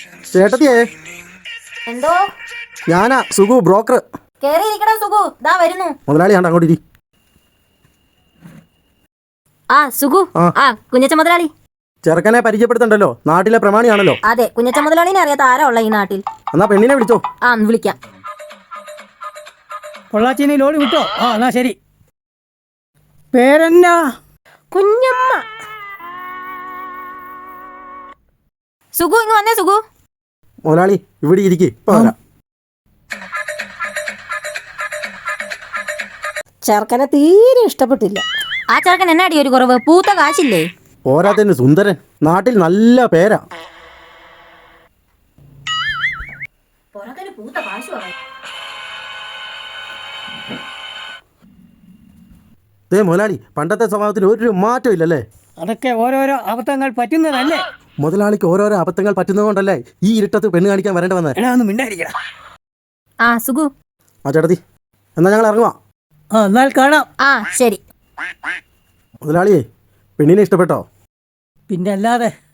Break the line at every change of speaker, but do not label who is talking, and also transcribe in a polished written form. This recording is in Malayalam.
ചേട്ടത്തിയേ,
എന്തോ
ഞാനാ സുഖു, ബ്രോക്കർ.
കേറിയിരിക്കടാ സുഗു, ദാ വരുന്നു.
മുതലാളിയാണ്ട് അങ്ങോട്ട് ഇരി.
ആ സുഗു, കുഞ്ഞച്ച മുതലാളി.
ചെറുക്കനെ പരിചയപ്പെടുത്തണ്ടല്ലോ, നാട്ടിലെ പ്രമാണിയാണല്ലോ.
അതെ, കുഞ്ഞച്ച മുതലാളിനെ അറിയാത്ത ആരാ ഉള്ള ഈ നാട്ടിൽ?
എന്നാ പെണ്ണിനെ വിളിച്ചോ.
ആ വിളിക്കാം.
പൊള്ളാച്ചിനെ ലോഡ് വിട്ടോ? ആ എന്നാ ശരി. പേരെന്നാ?
കുഞ്ഞമ്മ. സുഗു ഇങ്ങ് വന്നേ. സുഗു
മുതലാളി ഇവിടെ ഇരിക്കേ.
ചെറുക്കനെ തീരെ ഇഷ്ടപ്പെട്ടില്ല.
ആ ചെറുക്കൻ എന്നാടി ഒരു കുറവ്? പൂത്ത കാശില്ലേ?
പോരാത്തന്നെ സുന്ദരൻ, നാട്ടിൽ നല്ല പേരാ. ദേ മുതലാളി, പണ്ടത്തെ സ്വഭാവത്തിന് ഒരു മാറ്റം ഇല്ലല്ലേ?
അതൊക്കെ ഓരോരോ അബദ്ധങ്ങൾ പറ്റുന്നതല്ലേ?
മുതലാളിക്ക് ഓരോരോ അബദ്ധങ്ങൾ പറ്റുന്നതുകൊണ്ടല്ലേ ഈ ഇരുട്ടത്ത് പെണ്ണ് കാണിക്കാൻ വരേണ്ടി വന്നേ.
എടാ ഒന്ന് മിണ്ടായിരിക്കടാ.
ആ സുഗു.
ആ ചേട്ടത്തി, എന്നാ ഞങ്ങൾ ഇറങ്ങുവാ.
ആ എന്നാൽ കാണാം.
ആ ശരി.
മുതലാളിയെ, പെണ്ണിനെ ഇഷ്ടപ്പെട്ടോ?
പിന്നെ അല്ലാതെ.